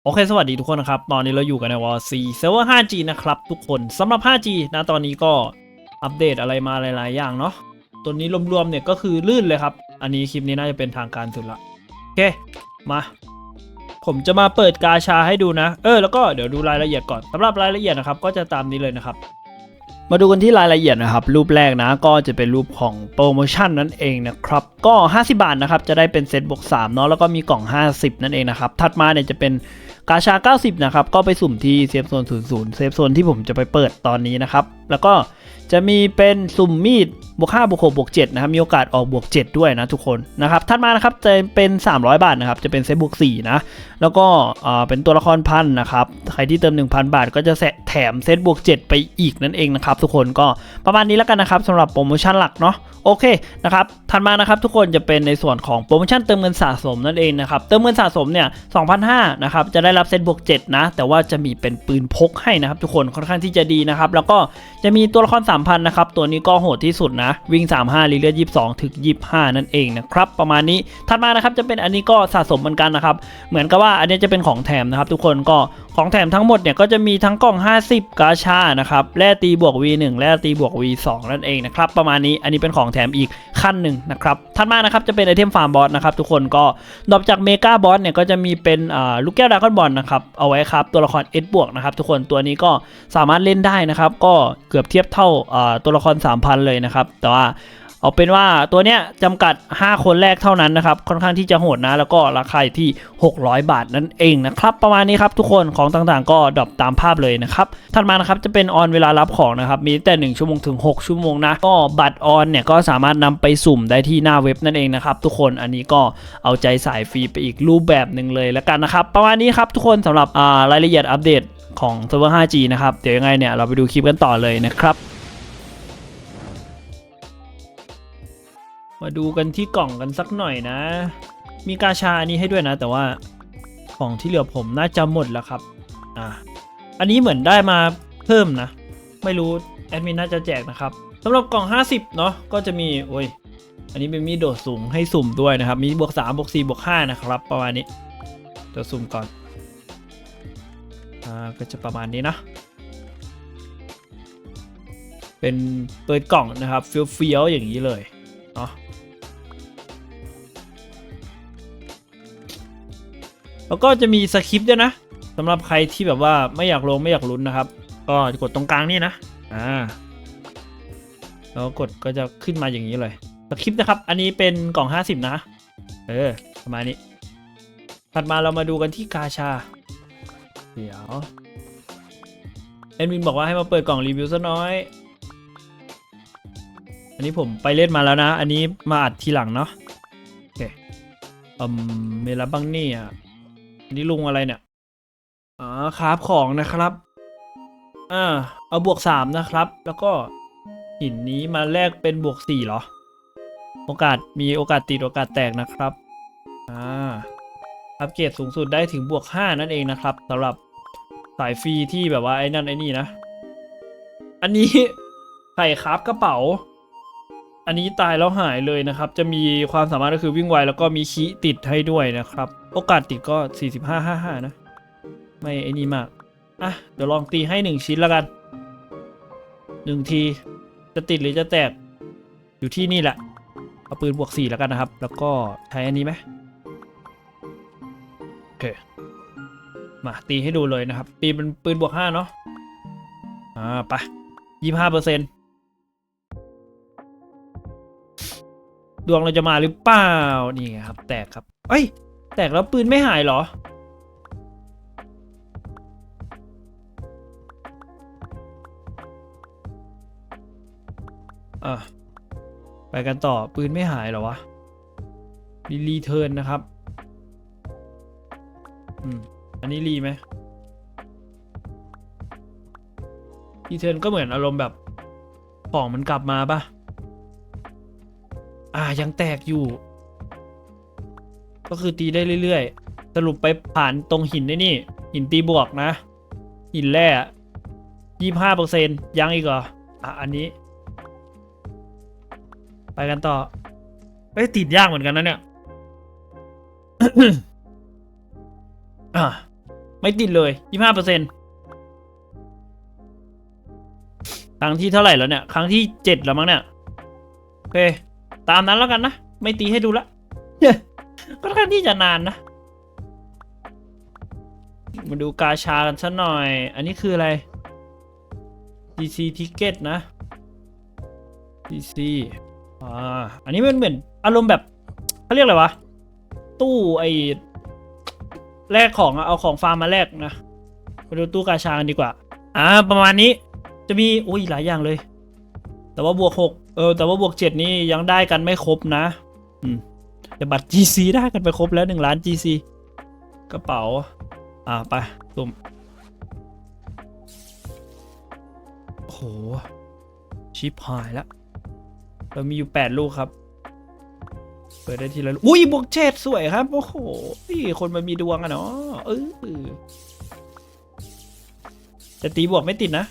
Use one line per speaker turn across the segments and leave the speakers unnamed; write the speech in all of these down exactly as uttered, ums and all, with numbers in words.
โอเคสวัสดีทุกคนนะครับตอนนี้เราอยู่กันในวอร์ซีเซิร์ฟเวอร์ ห้าจี นะครับทุกคนสำหรับ ห้าจี นะตอนนี้ก็อัปเดตอะไรมาหลายๆอย่างเนาะตัวนี้รวมๆเนี่ยก็คือลื่นเลยครับอันนี้คลิปนี้น่าจะเป็นทางการสุดละโอเคมาผมจะมาเปิดกาชาให้ดูนะเออแล้วก็เดี๋ยวดูรายละเอียดก่อนสำหรับรายละเอียดนะครับก็จะตามนี้เลยนะครับมาดูกันที่รายละเอียดนะครับรูปแรกนะก็จะเป็นรูปของโปรโมชั่นนั่นเองนะครับก็ห้าสิบบาทนะครับจะได้เป็นเซตบวกสามเนาะแล้วก็มีกล่องห้าสิบนั่นเองนะครับถัดมาเนี่ยจะเป็นกาชาเก้าสิบนะครับก็ไปสุ่มที่เซฟโซนศูนย์ ศูนย์เซฟโซนที่ผมจะไปเปิดตอนนี้นะครับแล้วก็จะมีเป็นสุ่มมีดบวกห้าบวกหกบวกเจ็ดนะครับมีโอกาสออกบวกเจ็ดด้วยนะทุกคนนะครับถัดมานะครับจะเป็นสามร้อยบาทนะครับจะเป็นเซตบวกสี่นะแล้วก็เป็นตัวละครพันนะครับใครที่เติม หนึ่งพัน บาทก็จะแถมเซตบวกเจ็ดไปอีกนั่นเองนะครับทุกคนก็ประมาณนี้แล้วกันนะครับสำหรับโปรโมชั่นหลักเนาะโอเคนะครับถัดมานะครับทุกคนจะเป็นในส่วนของโปรโมชั่นเติมเงินสะสมนั่นเองนะครับเติมเงินสะสมเนี่ย สองพันห้าร้อย นะครับจะได้รับเซตบวกเจ็ดนะแต่ว่าจะมีเป็นปืนพกให้นะครับทุกคนค่อนข้างที่จะดีนะครับแล้วก็จะมีตัวละคร สามพัน นะครับตัวนี้ก็โหดที่สุดนะวิ่งสามสิบห้ารีเลือดยี่สิบสองถึงยี่สิบห้านั่นเองนะครับประมาณนี้ถัดมานะครับจะเป็นอันนี้ก็สะสมเหมือนกันนะครับเหมือนกับว่าอันนี้จะเป็นของแถมนะครับทุกคนก็ของแถมทั้งหมดเนี่ยก็จะมีทั้งกล่องห้าสิบกาชานะครับแร่ตีบวก วี หนึ่ง แร่ตีบวก วี สอง นั่นเองนะครับประมาณนี้อันนี้เป็นของแถมอีกขั้นหนึ่งนะครับถัดมานะครับจะเป็นไอเทมฟาร์มบอสนะครับทุกคนก็ดรอปจากเมกาบอสเนี่ยก็จะมีเป็นอ่าลูกแก้วดราก้อนบอลนะครับเอาไว้ครับตัวละคร S บวกนะครับทุกคนตัวนี้ก็สามารถเล่นได้นะครับก็เกือบเทียบเท่าอ่าตัวละคร สามพัน เลยนะครับแต่ว่าเอาเป็นว่าตัวเนี้ยจำกัดห้าคนแรกเท่านั้นนะครับค่อนข้างที่จะโหดนะแล้วก็ราคาที่หกร้อยบาทนั่นเองนะครับประมาณนี้ครับทุกคนของต่างๆก็ดรอปตามภาพเลยนะครับถัดมานะครับจะเป็นออนเวลารับของนะครับมีแต่หนึ่งชั่วโมงถึงหกชั่วโมงนะก็บัตรออนเนี่ยก็สามารถนำไปสุ่มได้ที่หน้าเว็บนั่นเองนะครับทุกคนอันนี้ก็เอาใจสายฟรีไปอีกรูปแบบหนึ่งเลยแล้วกันนะครับประมาณนี้ครับทุกคนสำหรับรายละเอียดอัปเดตของเซิร์ฟเวอร์ ห้าจี นะครับเดี๋ยวยังไงเนี่ยเราไปดูคลิปกันต่อเลยนะครับมาดูกันที่กล่องกันสักหน่อยนะมีกาชาอันนี้ให้ด้วยนะแต่ว่าของที่เหลือผมน่าจะหมดแล้วครับอ่าอันนี้เหมือนได้มาเพิ่มนะไม่รู้แอดมินน่าจะแจกนะครับสำหรับกล่องห้าสิบเนาะก็จะมีโอ้ยอันนี้เป็นมีโดดสูงให้สุ่มด้วยนะครับมีบวกสามบวกสี่บวกห้านะครับประมาณนี้เดี๋ยวสุ่มก่อนอ่าก็จะประมาณนี้นะเป็นเปิดกล่องนะครับเฟี้ยวๆอย่างนี้เลยเนาะแล้วก็จะมีสคริปต์ด้วยนะสำหรับใครที่แบบว่าไม่อยากลงไม่อยากลุ้นนะครับก็กดตรงกลางนี่นะอ่าแล้วกดก็จะขึ้นมาอย่างนี้เลยสคริปต์นะครับอันนี้เป็นกล่องห้าสิบนะเออประมาณนี้ถัดมาเรามาดูกันที่กาชาเดี๋ยวแอดมินบอกว่าให้มาเปิดกล่องรีวิวซะน้อยอันนี้ผมไปเล่นมาแล้วนะอันนี้มาอัดทีหลังเนาะโอเคอืมเมลาบังนี่อ่ะนี่ลุงอะไรเนี่ยอ๋อคราฟของนะครับอ่าเอาบวกสามนะครับแล้วก็หินนี้มาแลกเป็นบวกสี่เหรอโอกาสมีโอกาสติดโอกาสแตกนะครับอ่าอัปเกรดสูงสุดได้ถึงบวกห้านั่นเองนะครับสำหรับสายฟรีที่แบบว่าไอ้นั่นไอ้นี่นะอันนี้ไข่คราฟกระเป๋าอันนี้ตายแล้วหายเลยนะครับจะมีความสามารถก็คือวิ่งไวแล้วก็มีคีติดให้ด้วยนะครับโอกาสติดก็สี่สิบห้า ห้า ห้านะไม่ไอ้นี่มากอ่ะเดี๋ยวลองตีให้หนึ่งชิ้นแล้วกันหนึ่งทีจะติดหรือจะแตกอยู่ที่นี่แหละเอาปืนบวกสี่แล้วกันนะครับแล้วก็ใช้อันนี้ไหมโอเคมาตีให้ดูเลยนะครับตีเป็นปืนบวกห้าเนาะอ่าไปยี่สิบห้าเปอร์เซ็นต์ดวงเราจะมาหรือเปล่านี่ไงครับแตกครับเอ้ยแตกแล้วปืนไม่หายเหรออ่ะไปกันต่อปืนไม่หายเหรอวะรีรีเทิร์นนะครับอืมอันนี้รีไหมรีเทิร์นก็เหมือนอารมณ์แบบของมันกลับมาปะอ่ายังแตกอยู่ก็คือตีได้เรื่อยๆสรุปไปผ่านตรงหินได้นี่หินตีบวกนะหินแร่ยี่สิบห้าเปอร์เซ็นต์ยังอีกเหรออ่ะอันนี้ไปกันต่อเอ้ยติดยากเหมือนกันนะเนี่ย อ่ะไม่ติดเลยยี่สิบห้าเปอร์เซ็นต์ครั้งที่เท่าไหร่แล้วเนี่ยครั้งที่เจ็ดแล้วมั้งเนี่ยโอเคตามนั้นแล้วกันนะไม่ตีให้ดูละ ก็ค่อนข้างที่จะนานนะมาดูกาชากันสักหน่อย อันนี้คืออะไร ดี ซี Ticket นะ ดี ซี อ่า อันนี้มันเหมือนอารมณ์แบบเขาเรียกอะไรวะ ตู้ไอแลกของเอาของฟาร์มมาแลกนะมาดูตู้กาชากันดีกว่า อ่า ประมาณนี้ จะมีอุ้ยหลายอย่างเลย แต่ว่าบวกหกเออ แต่ว่าบวกเจ็ดนี่ยังได้กันไม่ครบนะ อืมแต่บัตร จี ซี ได้กันไปครบแล้วหนึ่งล้าน จี ซี กระเป๋า อ่าไปตุ่มโอ้โหชิปหายแล้วเรามีอยู่แปดลูกครับเปิดได้ทีละลูกอุ้ยบวกเจ็ดสวยครับโอ้โหนี่คนมันมีดวงอะเนาะเออแต่ตีบวกไม่ติดนะ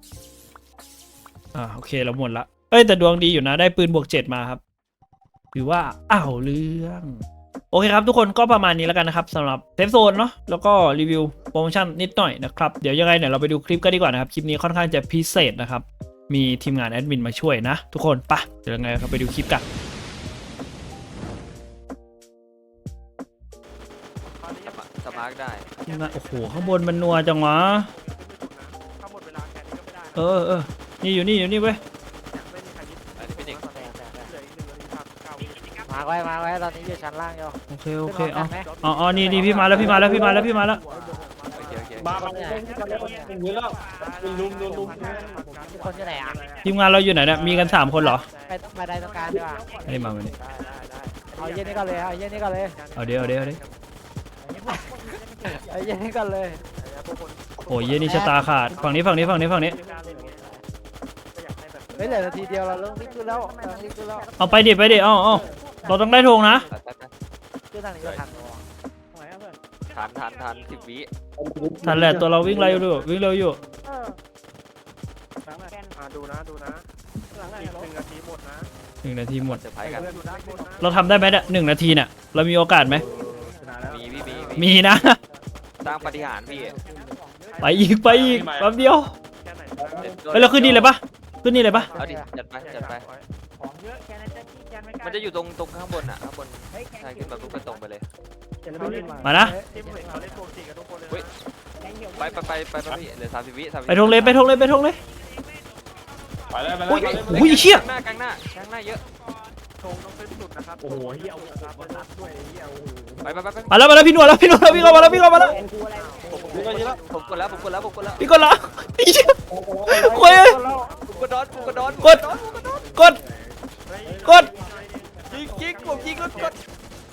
อ่าโอเคเราหมดละเอ้ยแต่ดวงดีอยู่นะได้ปืนบวกเจ็ดมาครับถือว่าอ้าวเรื่องโอเคครับทุกคนก็ประมาณนี้แล้วกันนะครับสำหรับเซฟโซนเนาะแล้วก็รีวิวโปรโมชั่นนิดหน่อยนะครับเดี๋ยวยังไงเนี่ยเราไปดูคลิปกันดีกว่านะครับคลิปนี้ค่อนข้างจะพิเศษนะครับมีทีมงานแอดมินมาช่วยนะทุกคนปะเดี๋ยวยังไงเราไปดูคลิปกัน
สมาร์ทได้
ทีมงานโอ้โหข้างบนมันนัวจังวะเออเออนี่อยู่นี่อยู่นี่เว้ย
อันนี้เป็นเด็ก
มาไว้มาไว้ตอนนี้อยู่ชั้นล่างอยู่
โอเคโอเคเอาเอาเอานี่นี่พี่มาแล้วพี่มาแล้วพี่มาแล้วพี่มาแล้ว
โอเคโอเค
มาแบบเป็นเยอะแล้วลุมลุมลุม
ทุกคนอยู่ไหนอ่ะ
ทีมงานเราอยู่ไหนเนี่ยมีกันสามคนเหรอ
ไปมาได้ตรงกลางดีกว่า
อันนี้มาวันนี้
เอาเย็นนี้ก่อนเลยเอาเย็นนี้ก่อนเลย
เอาเดี๋ยวเอาเดี๋ยวเอาดี๋ยว
เอาเย็นนี้ก่อนเลย
โอ้ยเย็นนี่ชะตาขาดฝั่งนี้ฝั่งนี้ฝั่งนี้ฝั่งนี้
ไม่เหลือนาทีเดียวเราเริ่มวิ่งขึ้นแล้วเริ่มวิ่งขึ้นแล้ว
เอาไปดิไปดิเอาเอาเราต้องได้ธงนะ
ขึ้นทางนี้ก็ทัน
ทันทันทันสิบวิ
ทันแหละตัวเราวิ่งเร็วอยู่วิ่งเร็วอยู่
ดูนะดูนะอีกหนึ่งนาทีหมดนะ
หนึ่งนาทีหมด
เซอร์ไพรส์กัน
เราทำได้ไหมเนี่ยหนึ่งนาทีเนี่ยเรามีโอกาสไหม
มีพี่มี
มีนะ
สร้างปฏิหารย์พี่
ไปอีกไปอีกแป๊บเดียว
แค่ไหน
เฮ้ยเราขึ้นนี่เลยปะขึ้นนี่เลยปะ
เอาดิจัดไปจัดไปมันจะอยู่ตรงตรงข้างบนอ่ะข้างบนใช่ขึ้นมาปุ๊บก็ตรงไปเลย
มานะ
ทีมเขาเล่นโปรตีกับทุกคนเลย
ไปไปไปไปไปพี่เหลือสามสิบวิสามสิบ
ไปธงเลยไปธงเลยไปธงเลย
ไปแล้วไป
อุ้ย
แล้ว
อุ้ยเชี่ย
กลางหน้ากลางหน้ากลางหน้าเยอะ
ธงต้องขึ้นสุดนะครับโอ้โหเฮียครับบนรัดด้วยเฮียโอ้โห
ไปไปไปไป
มาแล้วมาแล้วพี่หนวดแล้วพี่หนวดแล้วพี่เข้ามาแล้วพี่เข้ามาแล้ว
ผมกดแล้วผมกดแล้วผมกดแล้ว
พี่กดละไอ้เชี่ยโอ้ย
ผมกดดอนผมกดดอน
กดกดกด
ยิงยิงผมยิงรถกด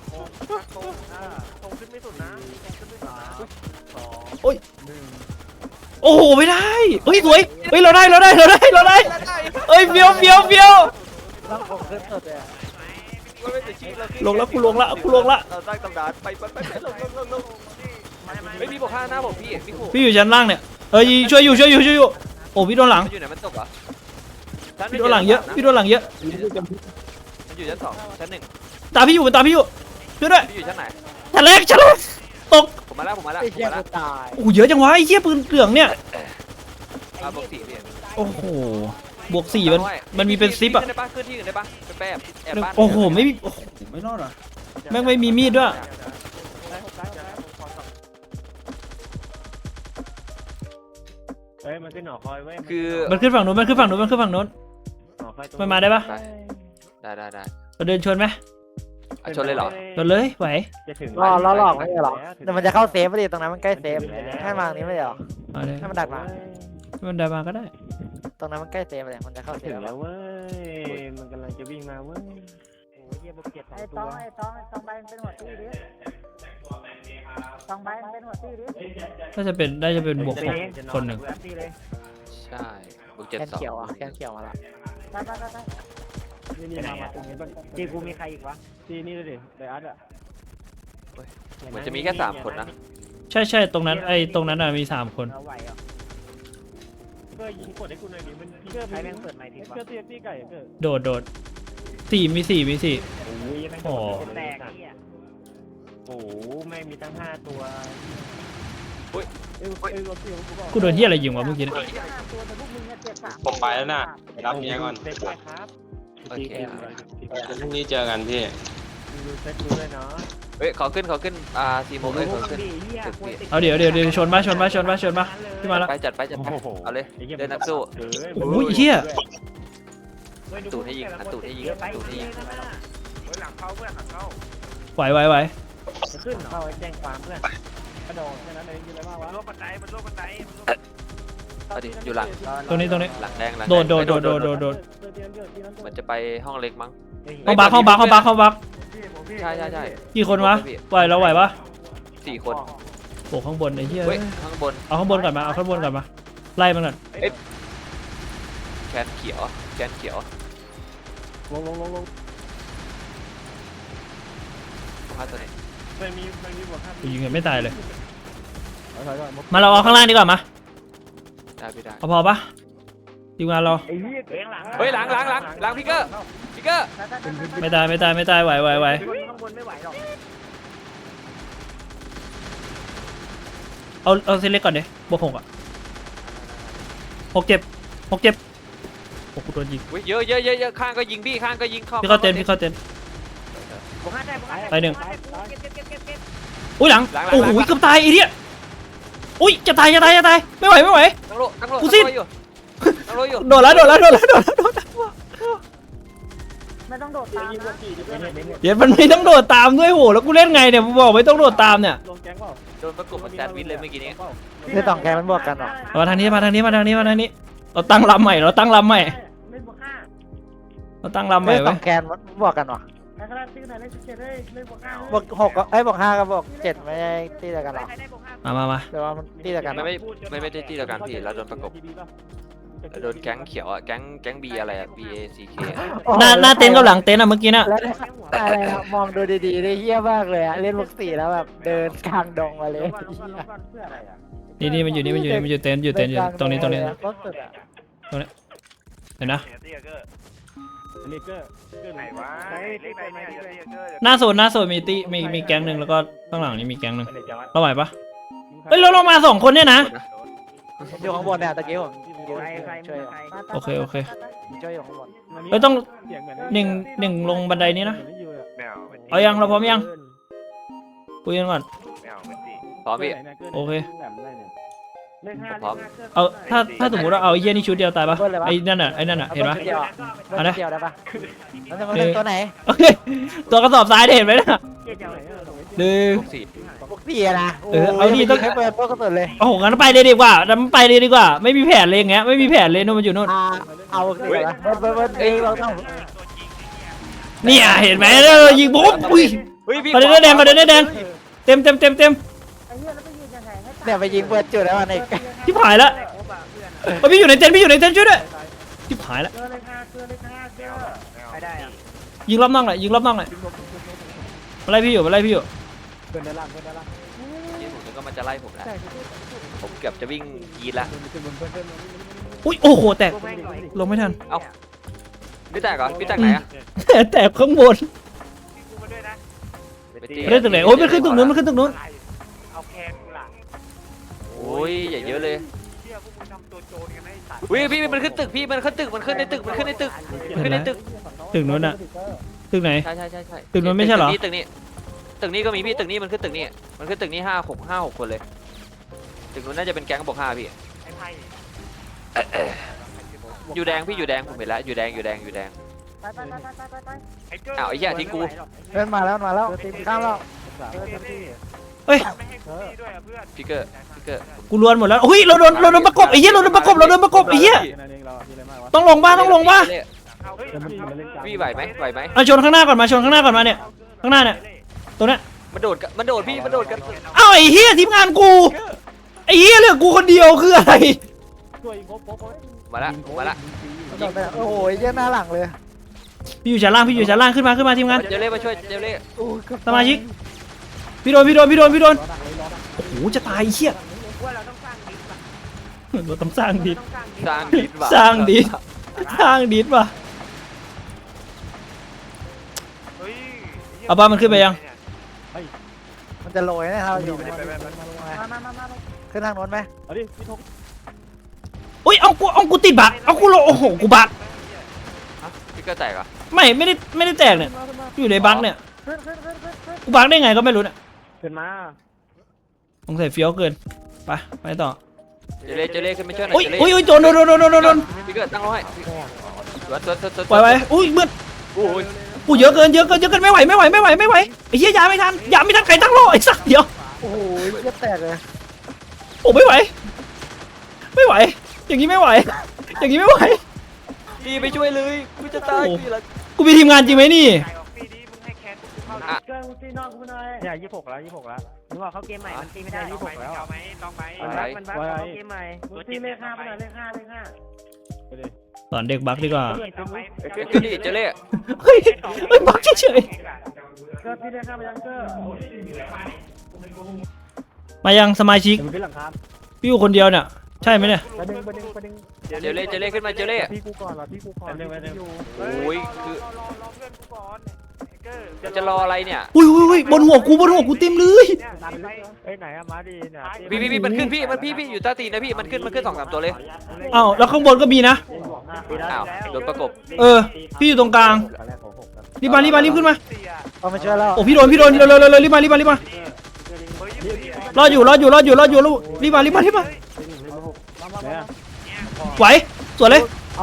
ธงขึ้นไม่สุดนะขึ้นไม่สุดนะสอง
โอ้ยโอ้โหไม่ได้เฮ้ยสวยเฮ้ยเราได้เราได้เราได้เราได้เอ้ยเฟี้ยวเฟี้ยวเฟี้ยว
ต้องผมขึ้นสุดเลย
ลงแล้วกูลงละกูลงละ
เราสร้างตำนานไปไปไปลงลงลงลงไม่มีบอกห้าหน้าผมพี่พี่ขู่
พี่อยู่ชั้นล่างเนี่ยเอ้ยช่วยอยู่ช่วยอยู่ช่วยอยู่โอ้พี่โดนหลัง
มันอยู่ไหนมันตกเหรอ
พี่โดนหลังเยอะพี่โดนหลังเยอะ
มันอยู่ชั้นสองชั้นหนึ่ง
ตามพี่อยู่ตามพี่อยู่ช่วยด้วย
พี่อยู่ชั้นไหน
ชั้นแรกชั้นแรกตก
ผมมาแล้วผมมาแล้ว
ไอ้
ผม
เหี้ย
มาแล้ว
กูตาย
โอ้โหเยอะจังวะไอ้เหี้ยปืนเหลืองเนี่ย
อ่าบวกสี่พี่
โอ้โหบวกสี่มันมันมีเป็นซิปอะ
ขึ้นได้ปะขึ้นที่อื่นได้ปะเป็นแปบแอบบ้าน
โอ้โหไม่มีโอ้โหไม่รอดอ่ะแม่งไม่มีมีดด้วย
เฮ้ยมันขึ้นหอคอยเว้ย
คือ
มันขึ้นฝั่งนู้นมันขึ้นฝั่งนู้นมันขึ้นฝั่งนู้น
หอคอย
มันมาได้ปะ
ได้ได้ได้
เราเดินชนไหม
อ่ะชนเลยเหรอ
ชนเลยไหว
จะถึง
รอรอหลอกไม่ใช่หรอแต่มันจะเข้าเซฟพอดีตรงนั้นมันใกล้เซฟให้มาตรงนี้ไม่ได้หรอ
เอาเลย
ให้มันดักมา
มันได้มาก็ได้
ตรงนั้นมันใกล้เซฟเลยมันจะเข้าเซ
ถึ
ฟ
งแล้วเว้ยมันกำลังจะวิ่งมาเว้ยโอ้ยเฮียบวกเจ็ดสอง
ไอ้
ตั
ตอ
ว
งไอ้ตองไอ้ตองใบมันเป็นหัวตี้ดิตองใบมันเป็นหัวตี้ดิ
น่าจะเป็นน่าจะเป็นบวกหกคนหนึ่ง
ใช่บวกเจ็ด
แคน
สอง
เขียวอ่ะแคนเขียวมาละ
ไปไปไปไป
นี่มามาตรงนี้บ้างจีกูมีใครอีกวะจีนี่เลยดิไดอาร์ตอ่ะ
เหมือนจะมีแค่สามคนนะ
ใช่ใช่ตรงนั้นไอ้ตรงนั้นอ่ะมีสามคน
เราไหวอ่ะ
เกอร์ยิงกดให้กูหน่อยดิมันเกอร์ใครแม่งเปิดไมค์ทิ้งวะเกอร์ตีตีไก่เกอร์
โดดโดดสี่มีสี่มีสี่
โอ้ยแม่ง
โอ้
แตกนี่อ่ะโอ้โหแม่งมีตั้งห้าตัว
กูโดนที่อะไรยิงวะเมื่อกี้เนี่ย
ตัวแต่พวกมึงเนี่ยเจ็บสาม
ผมไปแล้วน่ะไปรับเมียก่อน
เซ็กได้ครับ
โอเค
พรุ่งนี้เจอกันพี่
ดูเซ็กดูด้วยเนาะ
เฮ้ยขอขึ้นขอขึ้นอ่าสี่โมงเอ้ยขอขึ้น
เอาเดี๋ยวเดี๋ยวเดี๋ยวชนมาชนมาชนมาชนมาขึ้นมาแล้ว
ไปจัดไปจัดไปเอาเลยเดินนักสู้
โอ้ยเหี้ย
ตูดให้ยิงอ่ะตูดให้ยิงตูดให้ยิง
หลังเข้าเพื่อนหลังเข้า
ไหวไหวไหว
ขึ้นเข้าแจ้งความเพื่อนกระโดดแค่นั้นเองกินอะไรบ้างวะมันโลกบันไดมันโลกบันได
เอาดิอยู่หลัง
ตรงนี้ตรงนี้
หลังแดงหลัง
โดดโดดโดดโดดโดดโดด
มันจะไปห้องเล็กมั้ง
ห้องบักห้องบักห้องบักห้องบัก
ใช่ใช่ใช่
กี่คนวะไหวเราไหวปะ
สี่คน
โอ้ข้างบนไอ้เหี้ย
เฮ้ยข้างบน
เอาข้างบนก่อนมาเอาข้างบนก่อนมาไล่มันก่อน
แขนเขียวแขนเขียว
ลงลงลงลง
พาตัวไหน
มันมีมันมีบวกห้า
กูยิงกันไม่ตายเลยมาเราเอาข้างล่างดีกว่ามา
ได้พี่ได้
เอาพอปะทีมงานเรา
ไอ้เหี้ยหลัง
เฮ้ยหลังหลังหลังหลังพิกเกอร์พิกเกอร์
ไม่ตายไม่ตายไม่ตายไหวไหวไหว
ข้างบนไม่ไหวหรอก
เอาเอาเซเล็กก่อนดิบวกหกอ่ะหกเจ็บหกเจ็บโอ้กูโดนยิง
เยอะเยอะเยอะเยอะข้างก็ยิงพี่ข้างก็ยิงเข้า
พี่เข้าเต็นพี่เข้าเต็น
บวกห้าได้บวกห้า
ไปหนึ่ง
เก็บเก็บเก็บเก็บเก็บ
อุ้ยหลังโอ้โหเกือบตายไอ้เนี่ยอุ้ยจะตายจะตายจะตายไม่ไหวไม่ไหว
ตั้งโลตั้งโล
กูสิ้น
อยู่ตั้งโลอยู่
โดดแล้วโดดแล้วโดดแล้วโดดแล้วโดดแล้ว
ไม่ต้องโดดตามนะ
เดี๋ยวมันไม่ต้องโดดตามด้วยโหแล้วกูเล่นไงเนี่ยมึงบอกไม่ต้องโดดตามเนี่ย
ลงแก๊งเปล่า
โดนประกบมันแซนด์วิชเลยเมื่อกี้นี้
คือสองแกนมันบวกกันเหรอ
มาทางนี้มาทางนี้มาทางนี้มาทางนี้เราตั้งลำใหม่เราตั้งลำใหม่
เล่นบวกห้า
เราตั้งลำใหม่
คือส
ไว้
องแกนมันบวกกันเหรอ
ไอ้ขนาดซื้อไหนเล่นสิบเจ็ดเลยเล่นบวกห้า
บวกหกก็ไอ้ยบวกห้ากับบวกเจ็ดไม่ได้ตีเดียวกันเหรอ
ใครได้บวกห้า
มามามา
หรือว่ามันตีเดียวกันเหร
ไม่
อ
ไม่ไม่ไม่ได้ที่เดียวกันพี่เราโดนประกบโดนแก๊งเขียวอ่ะแก๊งแก๊งบีอะไรอ่ะ B A C K
หน้าหน้าเต็นท์กับหลังเต็นท์อะเมื่อกี้น่ะ
แล้วอะไรนะมองดูดีๆได้เฮี้ยมากเลยอะเล่นบวกสี่แล้วแบบเดินกลางดงมาเลย
เพื่ออะไรอ่ะ
นี่นี่มันอยู่นี่มันอยู่นี่มันอยู่เต็นท์อยู่เต็นท์อยู่ตรงนี้ตรงนี้
รถสุดอะ
เห็นนะ
เลเกอร์เกอร์ไหนวะไหนเลเกอร์ไหนเลเกอร์
หน้าโซนหน้าโซนมีตีมีมีแก๊งหนึ่งแล้วก็ข้างหลังนี่มีแก๊งหนึ่งเราไหวปะเฮ้ยเราลงมาสองคนเนี่ยนะ
อยู่ข้างบนเนี่ยตะกี้ผมยืน
ใครใคร
ช่วย
ใคร
โอเคโอเค
ช่วยอยู่ข้างบน
เฮ้ยต้องหนึ่งหนึ่งลงบันไดนี้นะเอายังเราพร้อมยังคุยกันก่อน
พร้อมพี่
โอเค
เลขห้า
พร้อม
เอาถ้าถ้าสมมติว่าเอาไอ้เหี้ยนี่ชุดเดียวตายปะไอ้นั่นน่ะไอ้นั่นน่ะเห็นปะ
เดียวอะ
เอานะ
เดียวได้ปะแล้วจะมาเล่นตัวไหน
โอเคตัวกระสอบทรายเนี่ยเห็นไหมน่ะ
เจ็ดเดียว
หนึ่ง
พวกสี่
พวกสี่อะนะ
เออเอาดิต้อง
ให้เปิดพวกกระสุนเลย
โอ้โหงั้นไปเลยดีกว่างั้นไปเลยดีกว่า ไม่มีแผนเลยอย่างเงี้ยไม่มีแผนเลยนู่นมันอยู่นู่น
อ่าเอาสิวะเบิร์ดเบิร์ดเบิร์ดเอ้ยเราต้อง
เนี่ยเห็นไหมเออยิงปุ๊บอุ้ย
เฮ้ยพี่
ประเด็นแดงประเด็นแดงเต็มเต็มเต็มเต็ม
ไอ้เหี้ยแล้วไปยืนยังไงให้
เนี่ยไปยิงเปิดจุดแล้วมันอีก
ที่ผายแล้วเฮ้ยพี่อยู่ในเต็นท์พี่อยู่ในเต็นท์ช่วยด้วยที่ผายแล้ว
เกลือเลขห้าเกลือเลขห้าเกลือใครได้อ่ะ
ยิงรอบน่องหน่อยยิงรอบน่องหน่อยมาไล่พี่อยู่มาไล่พี่อยู่
เพื่อนด้านล่างเพื่อนด้านล่าง
ยี่ผมนึกว่ามันจะไล่ผมแล้วผมเกือบจะวิ่งยีดละ
อุ้ยโอ้โหแตกลงไม่ทัน
พี่แตกเหรอพี่แตกไหนอ่ะ
แตกข้างบน
ไปตี
ไม่ได้ตึกไหนโอ้ยมันขึ้นตึกนู้นมันขึ้นตึกนู้น
เอาแคนกูล่ะ
โอ้ยอย่าเยอะเลย
เชื่อพวกมึงทำตัวโจรกันให้สัตว์
วิพี่มันขึ้นตึกพี่มันขึ้นตึกมันขึ้นในตึกมันขึ้นในตึกมันขึ้นในตึก
ตึกนู้นอะตึกไหน
ใช่ใช่ใช่ใช่
ตึกนู้นไม่ใช่เหรอ
ตึกนี้ตึกนี้ก็มีพี่ตึกนี้มันขึ้นตึกนี้มันขึ้นตึกนี้ห้าหกห้าหกคนเลยตึกนู้นน่าจะเป็นแก๊งบอกห้าพี่
ไอ้ไพ่
อยู่แดงพี่อยู่แดงผมเห็นแล้วอยู่แดงอยู่แดงอยู่แดง
ไปไปไปไปไปไป
ไอ้เกอร์
อ้าวไอ้เหี้ยทิ้งกู
เดินมาแล้วมาแล้วข้ามแล้ว
เฮ้ย
ไม่ให้กูตีด้วยอ่ะเพื่อน
พิกเกอร์พิกเกอร์
กูล้วนหมดแล้วอุ้ยเราโดนเราโดนประกบไอ้เหี้ยเราโดนประกบเราโดนประกบไอ้เหี้ยต้องลงบ้าต้องลงบ้า
พี่ไหวไหมไหวไหม
เอาชนข้างหน้าก่อนมาชนข้างหน้าก่อนมาเนี่ยข้างหน้าเนี่ยตัวเนี้ย
มันโดดกันมันโดดพี่มันโดดกัน
เอ้าไอ้เหี้ยทีมงานกูไอ้เหี้ยเหลือกูคนเดียวคืออะไร
มาละมาละ
โดนไปแล้วโอ้โหเยี่ยหน้าหลังเลย
พี่อยู่ชั้นล่างพี่อยู่ชั้นล่างขึ้นมาขึ้นมาทีมงาน
เจเล่มาช่วยเจเล่
โอ้ยเกือบ
สมาชิกพี่โดนพี่โดนพี่โดนพี่โดนโอ้โหจะตายไอ้เหี้ย
ว่าเราต้องสร้างดิส
เราต้องสร้างดิส
ต้องสร้างดิส
สร้างดิสว่ะ
สร้างดิสสร้างดิสว่ะ
เฮ้ย
เอาบ้ามันขึ้นไปยัง
มันจะโรยนะครับอยู่
มามามามา
ขึ้นทางโน้นไหม
เอาดิพี่ทง
อุ้ยเอากูเอากูติดบักเอากูโลโอ้โหกูบัก
ฮะพี่ก็แตกเหรอ่ะ
ไม่ไม่ได้ไม่ได้แตกเนี่ยอยู่ในบักเนี่ย
ขึ้นขึ้นขึ้นขึ้นขึ้น
กูบักได้ไงก็ไม่รู้เนี่ย
ขึ้นมา
สงสัยเฟี้ยวเกินไปไปต่อ
เจเล่เจเล่ขึ้นไปช่วยหน่
อุ้
อย ยเจเล่
อุ้ยอุ้ยโดนโดนโดนโดนโดนโดน
พี่เกิดตั้งร้อยสวนสวนสวนสวน
ปล่อยไปอุ้ยมืด
โอ้ย
กูเยอะเกินเยอะเกินเยอะเกินไม่ไหวไม่ไหวไม่ไหวไม่ไหวไอ้เหี้ยยาไม่ทันยาไม่ทันใครตั้งโลไอ้สัสเดี๋ยว
โอ้โหเหี้ยแตกเลย
โอ้ไม่ไหว ไม่ไหว อย่างนี้ไม่ไหว อย่างนี้ไม่ไหว
พี่ไปช่วยเลยกูจะตายกูอยู่แล้ว
กูมีทีมงานจริงไหมนี่
เกินกูตีนอนกูหน่อย
เนี่ยยี่สิบหกแล้วยี่สิบหกแล้วนึกว่าเขาเกมใหม่มันตีไม่ได้ยี่สิบหกแล้ว
มันบักมันบักเขาเกมใหม่กูตีเลขห้าไปหน่อยเลขห้าเลขห้า
สอนเด็กบักดีกว่า
ขึ้นดิเจเล่
เฮ้ยเฮ้ยบักเฉย
เกินตีเลขห้าไปยังเกิน
ๆมายังสมาชิก
เดี๋ยวมันขึ้นหลังคา
พี่อยู่คนเดียวเนี่ย ใช่ไหมเนี่ย
ประเด็นประเด็นประเด็น
เจเล่เจเล่ขึ้นมาเจเล่
พี่กูก่อนเหรอพี่กูก่อนอยู่
โอ้ยคือจะรออะไรเนี่ย
อุ้ยอุ้ยอุ้ยบนหัวกูบนหัวกูเต็มเลย
เอ้ยไหนอะมาดีเนี่ย
พี่พี่พี่มันขึ้นพี่มันพี่พี่อยู่ใต้ตีนนะพี่มันขึ้นมันขึ้นสองสามตัวเลย
อ้าวแล้วข้างบนก็มีนะ
อ้าวโดนประกบ
เออ พี่อยู่ตรงกลาง รีบมารีบมารีบขึ้นมา
เอามาช่วยแล้ว
โอ้พี่โดนพี่โดนเร็วเร็วเร็วเร็วรีบมารีบมารีบมา รออยู่รออยู่รออยู่รออยู่รอรีบมารีบมารีบมา ไหวสวยเลย
เอา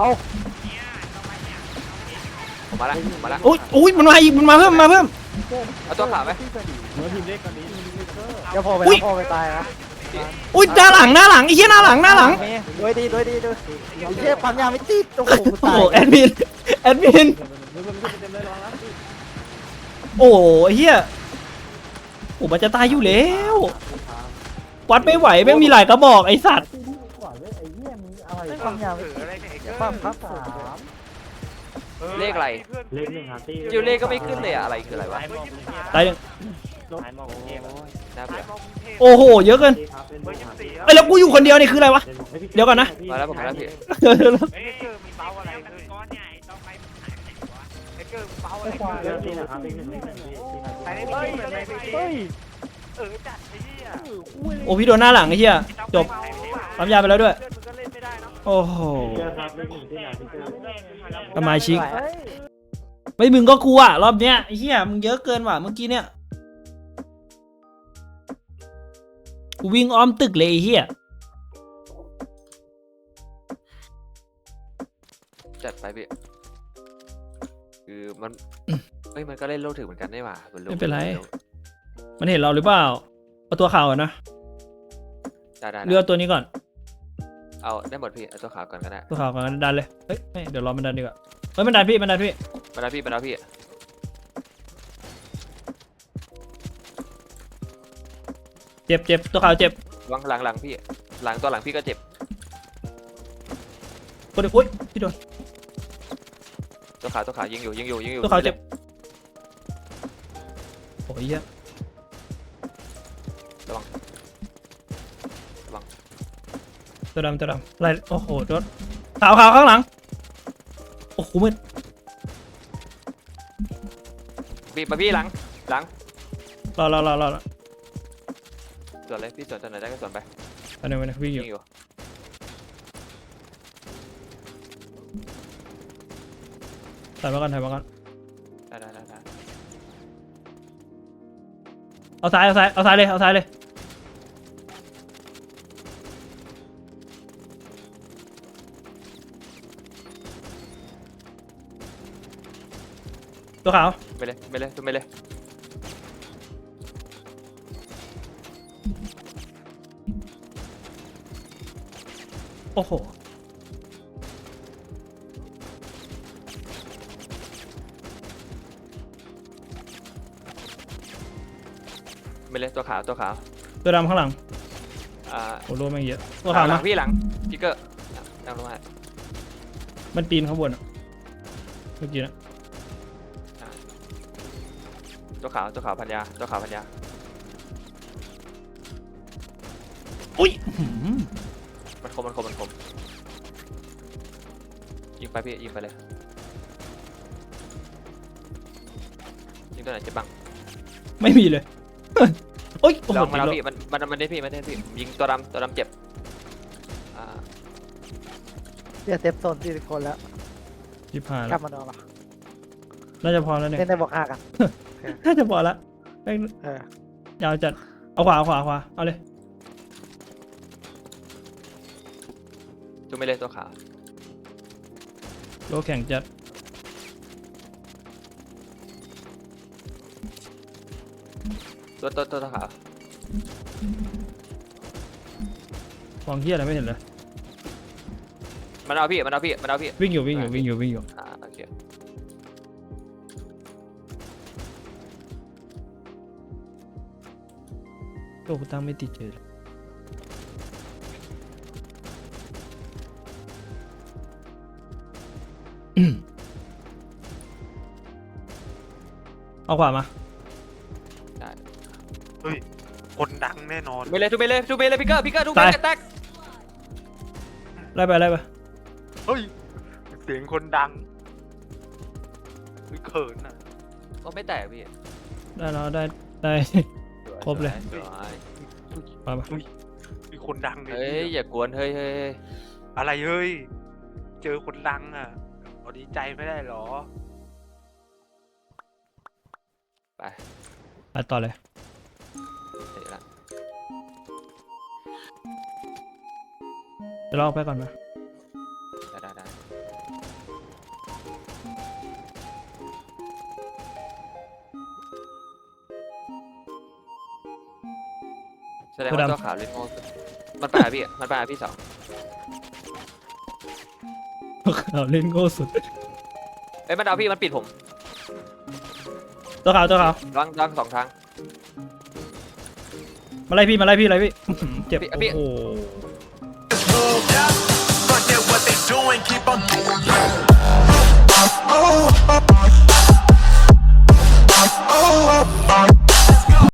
ผมมาละผมมาละ
อุ้ยอุ้ยมันมาอีกมันมาเพิ่มมาเพิ่ม
เอาตัวขาไหม
เนื้อทีมเล็กกว่านี้
เดี๋ยวพอไป
อุ๊
แล้ว
ย
พอไปตายนะ
อุ้ยหน้าหลังหน้าหลังไอ้เหี้ยหน้าหลังหน้าหลัง
มีโดยดีโดยดีโดยไอ้เหี้ยปั๊มยาไม่ติดโอ้โหกู
โอ้
ตาย
โหแอดมินแอดมิน
เนื้อมันขึ้นเต็มเลยระวังนะ
โอ้โหไอ้เหี้ยโอ้มันจะตายอยู่แล้ววัดไม่ไหวแม่งมีหลายกระบอกไอ้สัตว์
ไอ้เหี้ยมึงอะไรปั๊มยาไม่ติดปั๊มครับสาม
เลขอะไร
เลขหนึ่งหาตี
เจเล่ก็ไม่ขึ้นเลยอะอะไรคืออะไรวะ
ตายหนึ่ง
น่าเบื่อ
โอ้โหเยอะเกินไอ้ยแล้วกูอยู่คนเดียวนี่คืออะไรวะ เดี๋ยวก่อนนะ
มาแล้วผมมาแล้วพี่
เลขที่นะครับเลขหนึ่งเลขหนึ่งพี่
เฮ้ย
โอ้พี่โดนหน้าหลังไอ้เหี้ยจบปั๊มยาไปแล้วด้วย โอ้โห
เจอครับเลขหนึ่งที่ไหนพี่เจอ
สมาชิก
เฮ้ย
ไม่มึงก็กลัวรอบเนี้ยไอ้เหี้ยมึงเยอะเกินว่ะเมื่อกี้เนี่ยกูวิ่งอ้อมตึกเลยไอ้เหี้ย
จัดไปพี่คือมันเฮ้ยมันก็เล่นโลกถึงเหมือนกันได้ว่ะบนโลก
ไม่เป็นไร มันเห็นเราหรือเปล่าเอาตัวขาวก่อนนะ
ได้ได้
เลือกตัวนี้ก่อน
เอาได้หมดพี่เอาตัวขาวก่อนก็ได้
ตัวขาวก่อนดันเลยเฮ้ยไม่เดี๋ยวรอมันดันดีกว่าเฮ้ยมันดันพี่มันดันพี่
มาแล้วพี่มาแล้วพี่
เจ็บเจ็บตัวขาวเจ็บ
หลังหลังหลังพี่หลังตัวหลังพี่ก็เจ็บ
คนเดียวอุ้ยพี่โดน
ตัวขาวตัวขาวยิงอยู่ยิงอยู่ยิงอยู่
ตัวขาวเจ็บโอ้ยเหี้ย
ระวังระวัง
ตัวดำตัวดำอะไรโอ้โหโดนขาวขาวข้างหลังโอ้โหมืด
พี่มาพี่หลังหลัง
รอรอรอรอรอ
สวนเลยพี่สวนตัวไหนได้ก็สวนไป
อันนี้มันวิ่งอ
ยิ
ยู่
งอยู่
ถ่ายมาก่อนถ่ายมาก่อน
ได้ได้ได้ได้
เอาซ้ายเอาซ้ายเอาซ้ายเลยเอาซ้ายเลยตัวขาว
ไปเลยไปเลยไปเลย
โอ้โห
ไปเลยตัวขาวตัวขาว
ตัวดำข้างหลัง
อ่า
โอ้โหแม่งเยอะตัว
ห
ขาว
ลั
นะ
งพี่หลังพี่เกอร์นั่งลงมา
มันปีนข้างบนอะเมื่อกี้นะ
ตัวขาวตัวขาวพันยาตัวขาวพันยา
อุ้ยอื้อหือ
มันคมมันคมมันคมยิงไปพี่ยิงไปเลยยิงตัวไหนเจ็บบ้าง
ไม่มีเลย โอ้ยโอ้โห
ลองมาแล้ว
ติดลบ
พี่มันมันมันได้พี่มันได้พี่ผมยิงตัวดำตัวดำเจ็บอ่า
เดี๋ยวเซฟโซนสี่สิบคนแล้ว
ชิบหาย
ก
แล้
ลั
ว
บมาโดนหรอ
น่าจะพอแล้วเนี่ย
เล่นได้บอกห้ากัน
น่าจะพอละแม่ง
เออ
ยาวจัดเอาขวาเอาขวาเอาขวาเอาเลย
จูไม่เลยตัวขาว
โลแข่งจัด
ตัวตัวตัวขาว
มองเฮียอะไรไม่เห็นเลย
มันเอาพี่มันเอาพี่มันเอาพี่
วิ่งอยู่วิ่งอยู่วิ่งอยู่วิ่งอยู่
อ่าโอเค
โลกกูตั้งไม่ติดเฉยเลยเอาขวามา
ได้
คนดังแน่นอน
จูไม่เลยจูไม่เลยจูไม่เลยพี่เกอร์พี่เกอร์จูไม่เลยแตก
ไล่ไปไล่ไป
เฮ้ยเสียงคนดังไม่เขินอ่ะ
ก็ไม่แตกพี่
ได้แล้วได้ได้ ครบเลย
สวย
มามา
มีคนดัง
เฮ้ยอย่ากวนเฮ้ยเฮ้ย
อะไรเฮ้ยเจอคนดังอ่ะเอาดีใจไม่ได้หรอ
ไป
ไปต่อเลย
เสร็จละ
เดี๋ยวเราออกไปก่อนมา
ได้ได้ได้แสดงว่าตัวขาวลิโม่สุดมันไปหาพี่มันไปหาพี่สอง
เราเล่นโง่สุด
เอ้ยมันเอาพี่มันปิดผม
ตัวขาวตัวขาว
รังรังสองทาง
มาไล่พี่มาไล่พี่ไล่พี่ เจ็บ
พี่พี่
โอ้โห